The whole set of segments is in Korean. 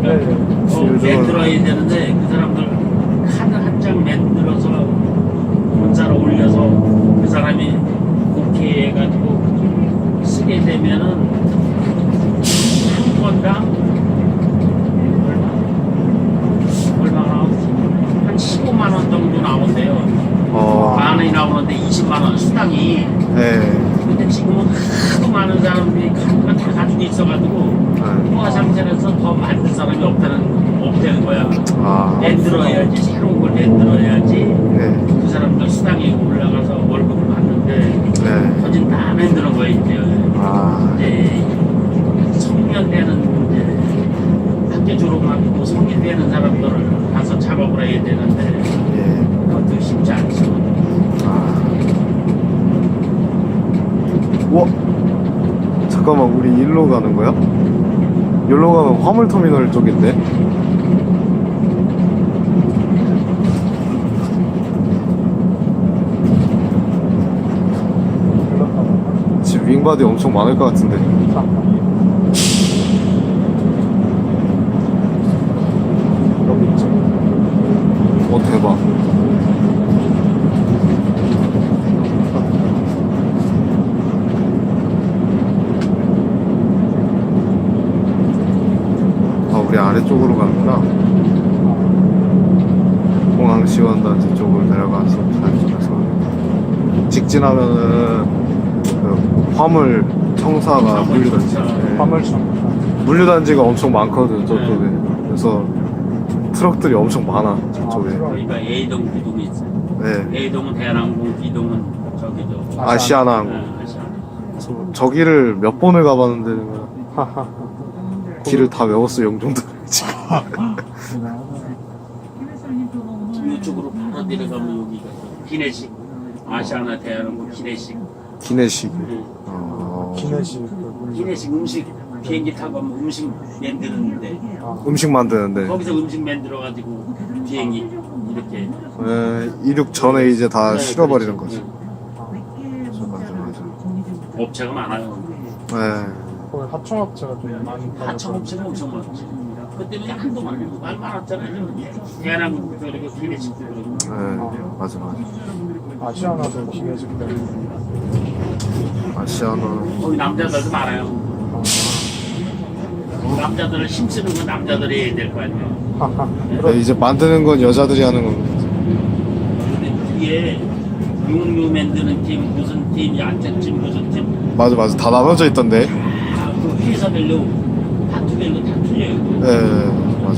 아닙니까? 만들어야 되는데 그 사람들 카드 한 장 만들어서 문자로 올려서 그 사람이 오케이 해가지고 쓰게 되면은 한 건당 얼마 나오지? 한 15만 원 정도 나온대요. 만 원이 나오는데 20만 원 수당이. 네. 근데 지금은 하도 많은 사람들이 카드가 다 가지고 있어가지고 통화 상태에서 더 만든 사람이 없다는 거야. 만들어야지, 새로운 걸 만들어야지. 네. 그 사람들 수당이 올라가서 월급을 받는데 네. 거진 다 만드는 거야 이제. 이제 성년 되는 이제 학교 졸업하고 성인 되는 사람들을 가서 작업을 해야 되는데 예. 그것도 쉽지 않죠. 우와, 잠깐만, 우리 일로 가는 거야? 일로 가면 화물터미널 쪽인데? 지금 윙바디 엄청 많을 것 같은데. 여기 있지. 대박. 우리 아래쪽으로 가는구나. 공항시원단지 쪽으로 내려가서 좌회전해서 직진하면은 그 화물 청사가 물류단지. 네. 화물청. 물류단지가 엄청 많거든 저쪽에. 그래서 트럭들이 엄청 많아 저쪽에. 그러니까 A동, B동이 있어요. 네. A동은 대한항공, B동은 저기죠. 아시아나항공. 아시아나. 저기를 몇 번을 가봤는데 길을 다 외웠어 영종도 지금. 이쪽으로 바로 내려가면 여기가 기내식. 아시아나 대한항공 기내식. 기내식. 기내식. 기내식 음식 비행기 타고 가면 음식 만드는데 음식 만드는데. 거기서 음식 만들어가지고 비행기 이렇게 이륙 전에 이제 다 실어버리는 거지. 맞아. 업체가 많아요. 네. 거기 하청업체가 좀 많이. 하청업체가 엄청 많지. 그 때문에 한동안 말 많았잖아요. 대한항공도 그러고 기내식도 그러고. 네. 맞아. 아시아나도 기내식 때문에. 아시아나. 거기 남자들도 많아요. 남자들을 힘쓰는 건 남자들이 해야 될 거 아니에요. 네, 이제 만드는 건 여자들이 하는 겁니다. 근데 뒤에 육류 만드는 팀, 무슨 팀, 야채팀, 무슨 팀. 맞아. 다 나눠져 있던데. 그 회사별로 파트별로 다 틀려요. 네. 맞아.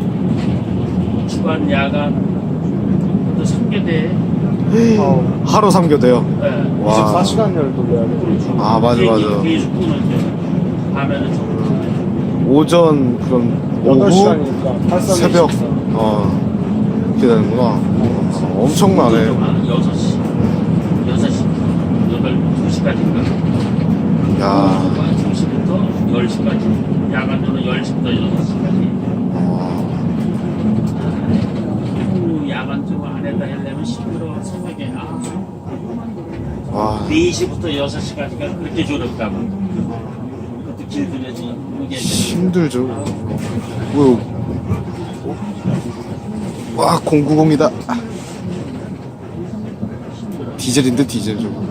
주간, 야간, 또 상교대. 하루 3교대요. 네. 와. 24시간을 돌려야 돼. 맞아. 계속 꾸는데 밤에는 좀 오전 그럼 오후 8시간이니까 새벽 이렇게 되는구나. 엄청나네. 6시 2시까지인가. 야. 2시부터 10시까지. 야간으로 10시부터 6시까지. 야간 쪽 안에다 하려면 시끄러워 새벽에. 와. 4시부터 6시까지가 그렇게 조력다고. 그것도 길들여지. 힘들죠. 와, 090이다. 디젤인데 디젤 저거.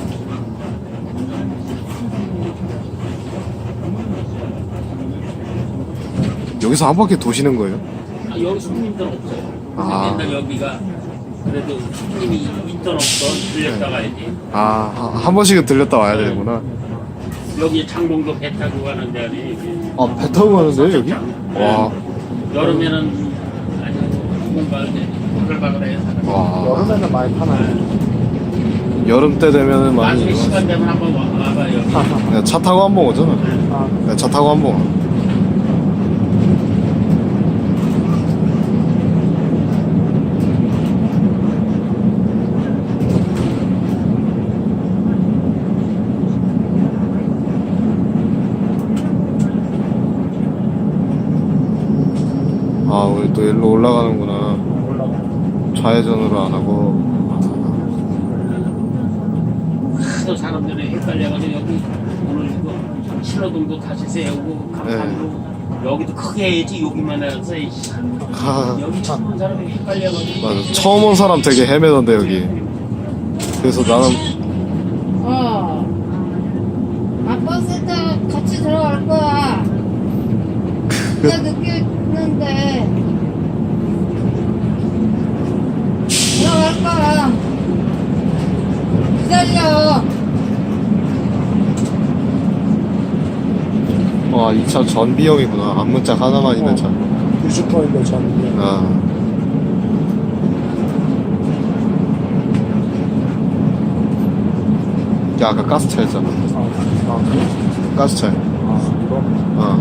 여기서 한 바퀴 도시는 거예요? 여기 손님들 없어요. 맨날 여기가 그래도 손님이 있던 없던 들렸다 가야지. 한 번씩은 들렸다 와야 되는구나. 여기 장봉도 배 타고 가는 데니. 배 타고 가는데요 여기? 와. 여름에는 아주 뭔가 이제 바글바글해요. 와. 여름에는 많이 타나요? 여름 때 되면은 많이. 나중에 시간 되면 한번 와봐요. 그냥 차 타고 한번 오잖아. 그냥 차 타고 한번 와. 우리 또 일로 올라가는구나. 좌회전으로 안 하고. 또 사람들이 헷갈려가지고 여기 오늘 이거 신호등도 다시 세우고 간판도 여기도 크게 해야지 여기만 해서 이씨. 아, 여기 처음 온 사람이 헷갈려가지고. 맞아. 처음 온 사람 되게 헤매던데 여기. 그래서 나는 아, 버스 타고 같이 들어갈 거야. 진짜 늦게 있는데. 들어갈 거야. 기다려. 와, 이 차 전비형이구나. 앞문짝 하나만 있는 차. 90%인데 저는 아. 야, 아까 가스차였잖아. 가스차. 이거? 어.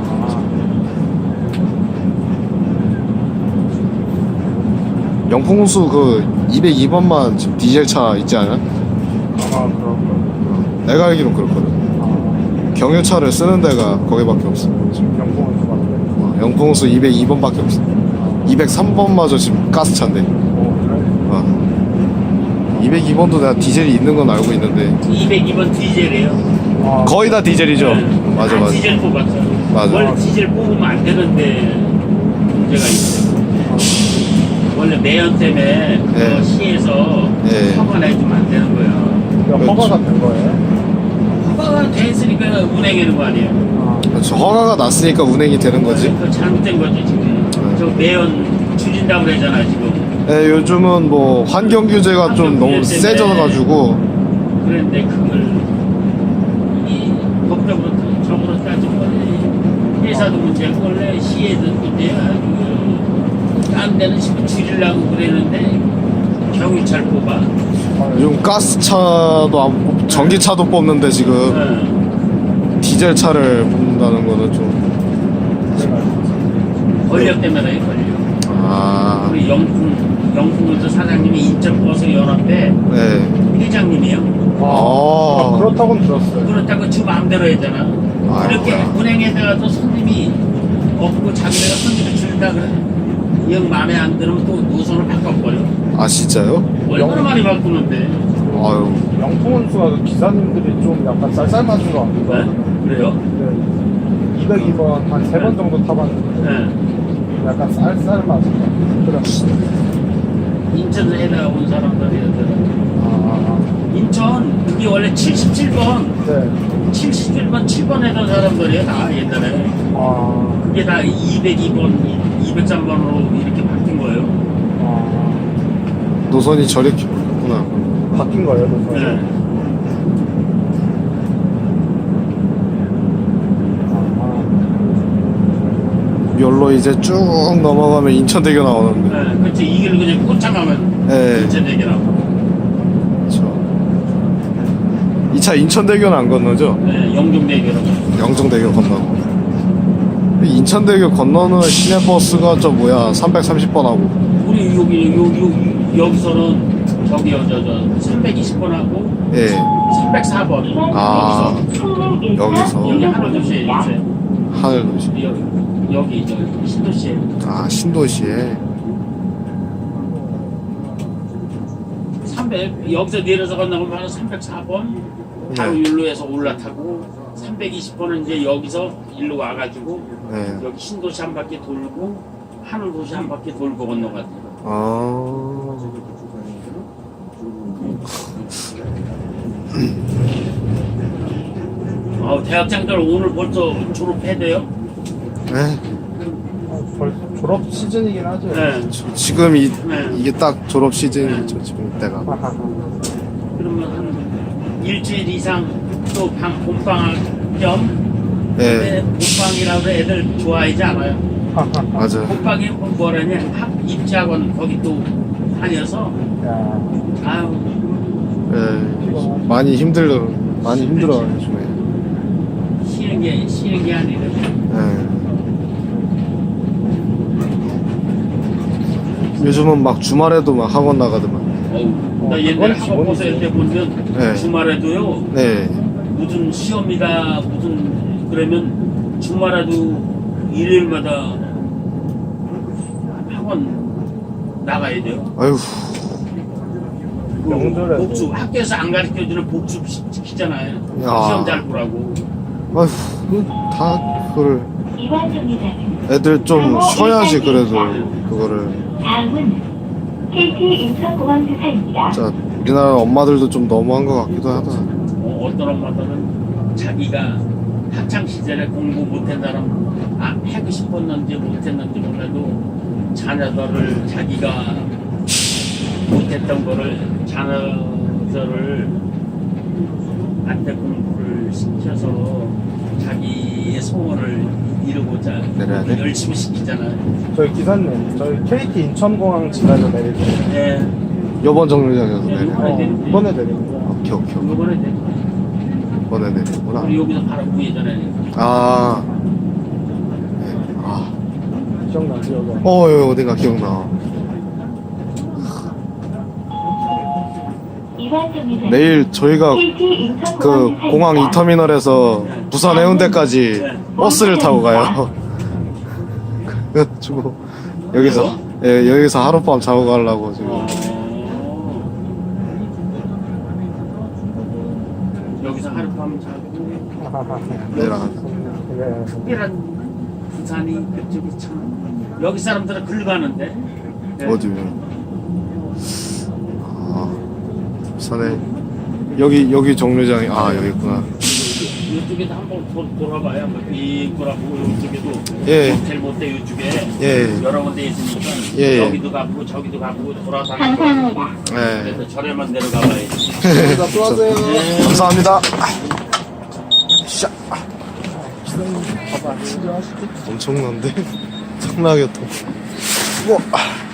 영풍수 그 202번만 지금 디젤 차 있지 않아? 그럴 거야. 내가 알기로 그렇거든. 경유차를 쓰는 데가 거기밖에 없어. 지금 영공을 받는데. 영풍수 202번밖에 없어. 203번마저 지금 가스차인데. 그래? 202번도 내가 디젤이 있는 건 알고 있는데 202번 디젤이에요. 거의 다 디젤이죠. 네. 맞아, 다 맞아. 디젤 뽑았어요. 맞아. 원래 디젤 뽑으면 안 되는데 문제가 있어요. 원래 매연 때문에 그 네. 시에서 네. 허가 내주면 안 되는 거예요. 이거 허가가 된 거예요? 허가가 됐으니까 운행하는 거 아니에요. 그렇죠. 허가가 났으니까 운행이 되는 거지. 그 잘못된 거지 지금. 저 매연 줄인다고 그러잖아 지금. 네, 요즘은 뭐 환경 규제가 좀 너무 환경 규제 세져가지고 그런데 그걸 이 법적으로 적으로 따지면 회사도 문제고 원래 시에도 문제야. 딴 데는 지금 줄이려고 그랬는데 경유차를 뽑아. 요즘 가스차도 안 뽑, 전기차도 뽑는데 지금 어. 디젤 차를 뽑는다는 거는 좀 권력 때문에 권력. 아, 우리 영풍운수 사장님이 인천버스 연합회 네. 회장님이에요. 아. 그렇다고는 들었어요. 그렇다고 주 마음대로 했잖아. 아이고야. 그렇게 운행에다가도 손님이 없고 자기네가 손님을 줄다 그래. 영 마음에 안 들으면 또 노선을 바꿔버려. 아 진짜요? 얼마나 많이 바꾸는데. 아유, 영풍운수가 그 기사님들이 좀 약간 쌀쌀맞은 것 같기도 네? 그래요? 네. 202번 한 3번 정도 타봤는데 네. 약간 쌀쌀맞은 것 같더라고요. 인천에다가 온 사람들이었더라. 아, 인천 그게 원래 77번 네. 77번 7번 했던 사람들이야 다 옛날에. 아, 그게 다 202번 203번으로 이렇게 바뀐 거예요. 아, 노선이 저렇게 바뀌었구나. 바뀐 거예요, 그래서. 네. 열로 이제 쭉 넘어가면 인천대교 나오는데. 네, 그렇지. 이 길로 그냥 꽂아가면 네. 인천대교라고. 그렇죠. 이 차 인천대교는 안 건너죠? 네, 영종대교라고. 영종대교 건너고. 인천대교 건너는 시내버스가 저 뭐야 330번하고. 우리 여기서는 저기요 저 320번하고 예. 304번 아, 여기서 여기 여기서 하늘도시에 있어요. 하늘도시. 여기 저 신도시에. 아, 신도시에. 300 여기서 내려서 건너면 304번 바로 네. 일로에서 올라타고 320번은 이제 여기서 일로 와가지고 네. 여기 신도시 한 바퀴 돌고 하늘도시 한 바퀴 돌고 건너가지. 아. 대학생들 오늘 벌써 졸업해야 돼요? 네. 벌써 졸업 시즌이긴 하죠. 네. 지금 네. 이게 딱 졸업 시즌이죠, 지금 이때가. 그러면 한 일주일 이상 또 봄방학 겸 네. 봄방이라고 애들 좋아하지 않아요? 맞아요. 봄방이 뭐라냐 입시학원 거기 또 다녀서 야, 아유 네. 많이 힘들어, 요즘에. 쉬는 게 아니라 네. 요즘은 막 주말에도 막 학원 나가더만. 나 옛날에 그건 학원 보살 때 보면 네. 주말에도요 네. 무슨 시험이다 무슨 그러면 주말에도 일요일마다 학원 나가야 돼요. 아유, 그 명절에 복수 학교에서 안 가르쳐주는 복수 시키잖아요. 야. 시험 잘 보라고. 아유, 다 그거를. 이번 정류장은 애들 좀 쉬어야지 그래도 그거를. 다음은 KT 인천공항 주차입니다. 진짜 우리나라 엄마들도 좀 너무한 것 같기도 하다. 어떤 엄마들은 자기가 학창 시절에 공부 못했다는 하고 싶었는지 못했는지 몰라도 자녀들을 자기가 못했던 거를 자녀들을 한테 공부를 시켜서 자기의 소원을 이루고자 내려야 돼? 열심히 시키잖아요. 저희 기사님, 저희 KT 인천공항 지나서 내릴게요. 네. 요번 정류장에서 네, 내려. 이번에 내립니다. 오케이 오케이. 이번에 돼. 이번에 내리구나. 우리 여기서 바로 위에잖아요. 아. 네. 아. 기억나지, 여기? 여기 어딘가 기억나. 이번 정류장은 내일 저희가 KT 인천공항 그 주차입니다. 공항 2터미널에서 부산 해운대까지 버스를 타고 가요. 그래가지고 여기서 여기서 하룻밤 자고 가려고 지금. 여기서 하룻밤 자고 내려간다. 네. 특별한 부산이 그쪽이 참 여기 사람들은 글로 가는데 네. 어디? 아, 부산에 여기 정류장이 여기 있구나. 이쪽에도 한번 돌아봐야 이거라고 이쪽에도 예. 호텔 모텔 이쪽에 예. 여러 군데 있으니까 예. 여기도 가고 저기도 가고 돌아다니고 감사합니다. 네. 그래서 저렴한 데로 가봐야지. 수고하세요. 감사합니다. 샤. 기사님, 봐봐, 진정하시죠? 엄청난데? 청라교통. 우와.